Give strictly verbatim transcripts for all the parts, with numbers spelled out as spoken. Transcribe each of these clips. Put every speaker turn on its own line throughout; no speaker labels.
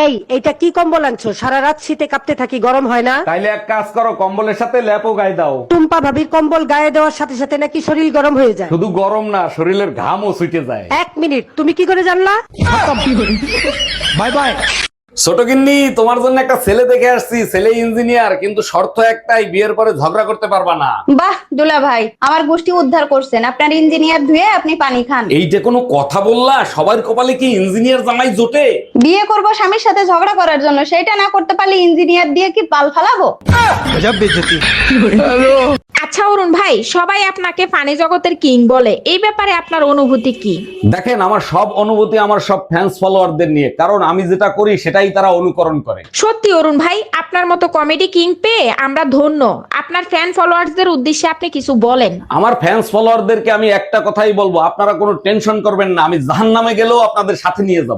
এই এটা কি কম্বল আনছো? সারা রাত শীতে কাঁপতে থাকি, গরম হয় না?
তাইলে এক কাজ করো, কম্বলের সাথে ল্যাপও গায়ে দাও।
টুম্পা ভাবির কম্বল গায়ে দেওয়ার সাথে সাথে নাকি শরীর গরম হয়ে যায়।
শুধু গরম না, শরীরের ঘামও ছুটে যায়।
এক মিনিট, তুমি কি করে জানলা?
Bye bye. ছোট গিন্নি, তোমার জন্য একটা ছেলে দেখে আসছি। ছেলে ইঞ্জিনিয়ার, কিন্তু শর্ত একটাই, বিয়ের পরে ঝগড়া করতে পারবা না।
বাহ দুলা ভাই, আমার গোষ্ঠী উদ্ধার করছেন। আপনার ইঞ্জিনিয়ার ধুয়ে আপনি পানি খান।
এই যে কোনো কথা বললা, সবার কপালে কি ইঞ্জিনিয়ার জামাই জোটে?
বিয়ে করব স্বামীর সাথে ঝগড়া করার জন্য, সেটা না করতে পারলে ইঞ্জিনিয়ার দিয়ে কি পাল ফালাবো?
আচ্ছা অরুণ ভাই, সবাই আপনাকে ফানি জগতের কিং বলে, এই ব্যাপারে আপনার অনুভূতি কি?
দেখেন, আমার সব অনুভূতি আমার সব ফ্যান্স ফলোয়ারদের নিয়ে, কারণ আমি যেটা করি সেটাই তারা অনুকরণ করে।
সত্যি অরুণ ভাই, আপনার মতো কমেডি কিং পেয়ে আমরা ধন্য। আপনার ফ্যান ফলোয়ার্সদের উদ্দেশ্যে আপনি কিছু বলেন।
আমার ফ্যান্স ফলোয়ারদেরকে আমি একটা কথাই বলবো, আপনারা কোনো টেনশন করবেন না, আমি জাহান্নামে গেলেও আপনাদের সাথে নিয়ে যাব।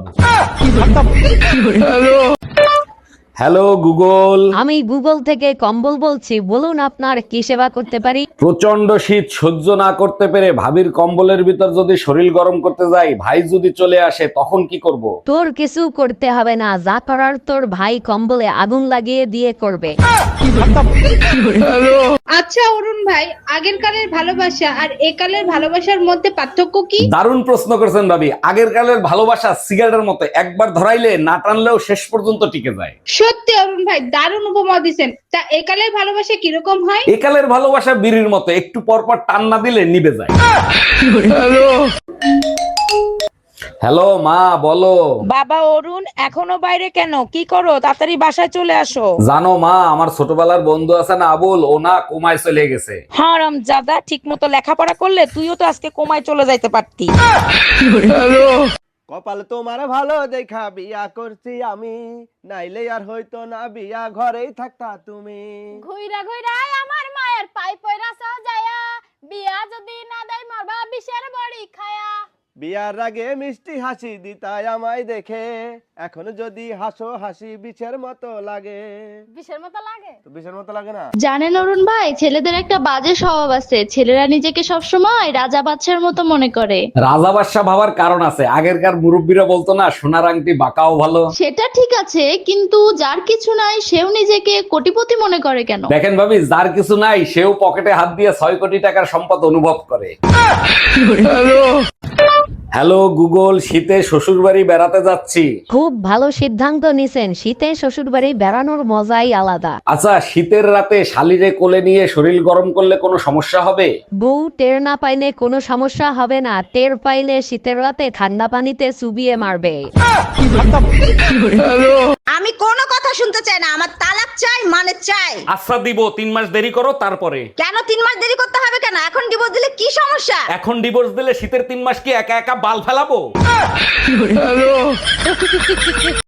Hello Google.
আমি গুগল থেকে কম্বল বলছি, বলুন আপনার কি সেবা করতে পারি?
প্রচন্ড শীত সহ্য না করতে পেরে ভাবির কম্বলের ভিতর যদি শরীর গরম করতে যাই, ভাই যদি চলে আসে, তখন কি করব?
তোর কিছু করতে হবে না, যা করার তোর ভাই কম্বলে আগুন লাগিয়ে দিয়ে করবে।
আচ্ছা অরুণ ভাই, আগের কালের ভালোবাসা আর একালের ভালোবাসার মধ্যে পার্থক্য কি?
দারুণ প্রশ্ন করেছেন ভাবি। আগের কালের ভালোবাসা সিগারেটের মতো, একবার ধরাইলে না টানলেও শেষ পর্যন্ত টিকে যায়।
সত্যি অরুণ ভাই, দারুণ উপমা দিচ্ছেন। তা একালের ভালোবাসা কিরকম হয়?
একালের ভালোবাসা বিড়ির মতো, একটু পর পর টান না দিলে নিভে যায়। হ্যালো মা, বলো।
বাবা অরুণ, এখনো বাইরে কেন? কি করো? তাড়াতাড়ি বাসায় চলে আসো।
জানো মা, আমার ছোটবেলার বন্ধু আছে না আবুল, ও না কোমায় চলে গেছে।
হারাম জাদা, ঠিক মতো লেখাপড়া করলে তুইও তো আজকে কোমায় চলে যাইতে পারতি।
কপাল তোমার ভালো দেখা বিয়া করছি আমি, নাইলে আর হইতো না বিয়া, ঘরেই থাকতা তুমি।
ঘুইরা ঘুইরা আমার মায়ের পাই পয়রা সাজায়া, বিয়া যদি না দেয় মরবা বিষের বড়ি খায়া।
বিয়ার আগে মিষ্টি হাসি দিতাই আমায় দেখে, এখন যদি হাসো হাসি বিছের মতো লাগে।
বিষের মতো লাগে?
তো বিছের মতো লাগে না?
জানেন অরুণ ভাই, ছেলেদের একটা বাজে স্বভাব আছে, ছেলেরা নিজেকে সবসময় রাজা বাদশার মতো মনে করে।
রাজা বাদশা ভাবার কারণ আছে। আগেরকার মুরব্বীরা বলতো না, সোনার আংটি বাঁকাও ভালো।
সেটা ঠিক আছে, কিন্তু যার কিছু নাই সেও নিজেকে কোটিপতি মনে করে কেন?
দেখেন ভাবি, যার কিছু নাই সেও পকেটে হাত দিয়ে ছয় কোটি টাকার সম্পদ অনুভব করে। হ্যালো গুগল, শীতে শ্বশুর বাড়ি বেড়াতে যাচ্ছি।
খুব ভালো সিদ্ধান্ত নিছেন, শীতে শ্বশুর বাড়ি বেড়ানোর মজাই আলাদা।
আচ্ছা, শীতের রাতে শালিরে কোলে নিয়ে শরীর গরম করলে কোনো সমস্যা হবে?
বউ টের না পাইলে কোনো সমস্যা হবে না, টের পাইলে শীতের রাতে ঠান্ডা পানিতে চুবিয়ে মারবে।
আমি কোনো কথা শুনতে চাই না, আমার তালাক চাই, মানে চাই।
আচ্ছা দিব, তিন মাস দেরি করো তারপরে।
কেন তিন মাস দেরি করতে হবে কেন? এখন ডিভোর্স দিলে কি সমস্যা?
এখন ডিভোর্স দিলে শীতের তিন মাস কি একা একা বাল ফেলাবো?